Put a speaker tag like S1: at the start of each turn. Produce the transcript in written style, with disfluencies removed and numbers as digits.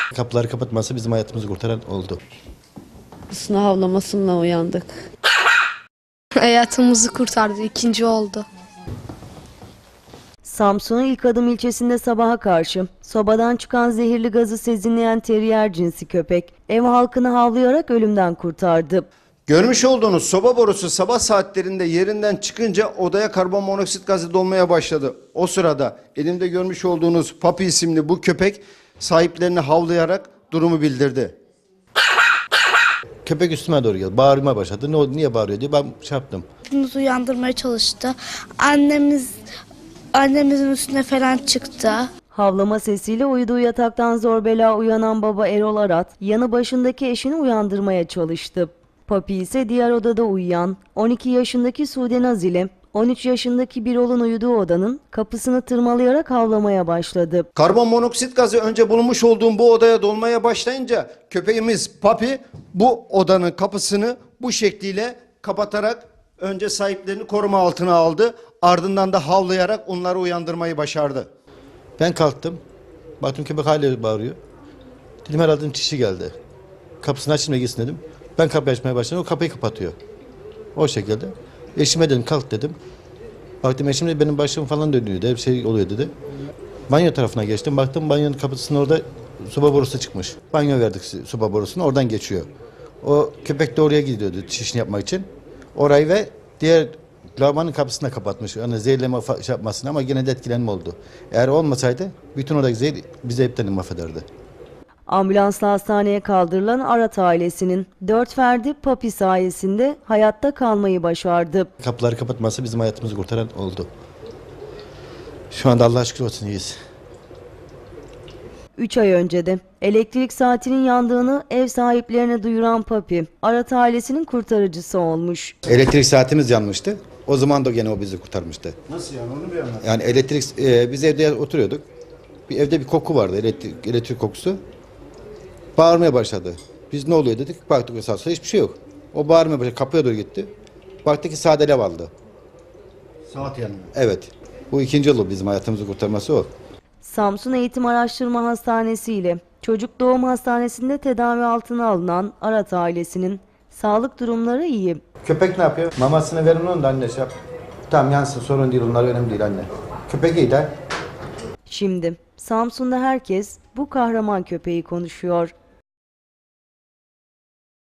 S1: Kapıları kapatması bizim hayatımızı kurtaran oldu.
S2: Sınav havlamasıyla uyandık.
S3: Hayatımızı kurtardı, ikinci oldu.
S4: Samsun'un İlk Adım ilçesinde sabaha karşı sobadan çıkan zehirli gazı sezinleyen terrier cinsi köpek ev halkını havlayarak ölümden kurtardı.
S5: Görmüş olduğunuz soba borusu sabah saatlerinde yerinden çıkınca odaya karbonmonoksit gazı dolmaya başladı. O sırada elimde görmüş olduğunuz Papi isimli bu köpek sahiplerini havlayarak durumu bildirdi.
S1: Köpek üstüme doğru geldi. Bağırmaya başladı. Niye bağırıyor diye ben şey yaptım.
S6: Bizi uyandırmaya çalıştı. Annemizin üstüne falan çıktı.
S4: Havlama sesiyle uyuduğu yataktan zor bela uyanan baba Erol Arat, yanı başındaki eşini uyandırmaya çalıştı. Papi ise diğer odada uyuyan 12 yaşındaki Sude Naz ile 13 yaşındaki Birol'un uyuduğu odanın kapısını tırmalayarak havlamaya başladı.
S5: Karbonmonoksit gazı önce bulunmuş olduğum bu odaya dolmaya başlayınca köpeğimiz Papi bu odanın kapısını bu şekliyle kapatarak önce sahiplerini koruma altına aldı. Ardından da havlayarak onları uyandırmayı başardı.
S1: Ben kalktım. Baktım köpek hala bağırıyor. Dedim herhalde çişi geldi. Kapısını açayım da gitsin dedim. Ben kapıyı açmaya başladım. O kapıyı kapatıyor. O şekilde. Eşime dedim kalk dedim. Baktım eşim de benim başım falan dönüyor dedi. Bir şey oluyor dedi. Banyo tarafına geçtim. Baktım banyonun kapısının orada soba borusu çıkmış. Banyo verdik soba borusunu. Oradan geçiyor. O köpek de oraya gidiyordu çişini yapmak için. Orayı ve diğer lavabonun kapısını da kapatmış. Yani zehirleme şey yapmasın ama yine de etkilenme oldu. Eğer olmasaydı bütün oradaki zehir bizi hepten mahvederdi.
S4: Ambulansla hastaneye kaldırılan Arat ailesinin 4 ferdi Papi sayesinde hayatta kalmayı başardı.
S1: Kapıları kapatması bizim hayatımızı kurtaran oldu. Şu anda Allah'a şükür olsun iyiyiz.
S4: 3 ay önce de elektrik saatinin yandığını ev sahiplerine duyuran Papi, Arat ailesinin kurtarıcısı olmuş.
S1: Elektrik saatimiz yanmıştı. O zaman da gene o bizi kurtarmıştı.
S5: Nasıl yani onu bir anlat.
S1: Yani biz evde oturuyorduk. Evde bir koku vardı, elektrik kokusu. Bağırmaya başladı. Biz ne oluyor dedik. Baktık esasında hiçbir şey yok. O bağırmaya başladı. Kapıya doğru gitti. Baktık ki sağda alev aldı.
S5: Saat yanıyor.
S1: Evet. Bu ikinci yolu bizim hayatımızı kurtarması o.
S4: Samsun Eğitim Araştırma Hastanesi ile Çocuk Doğum Hastanesi'nde tedavi altına alınan Arat ailesinin sağlık durumları iyi.
S1: Köpek ne yapıyor? Mamasını verin onu da anne şey yap. Tamam yansın sorun değil onlar önemli değil anne. Köpek iyi de.
S4: Şimdi Samsun'da herkes bu kahraman köpeği konuşuyor.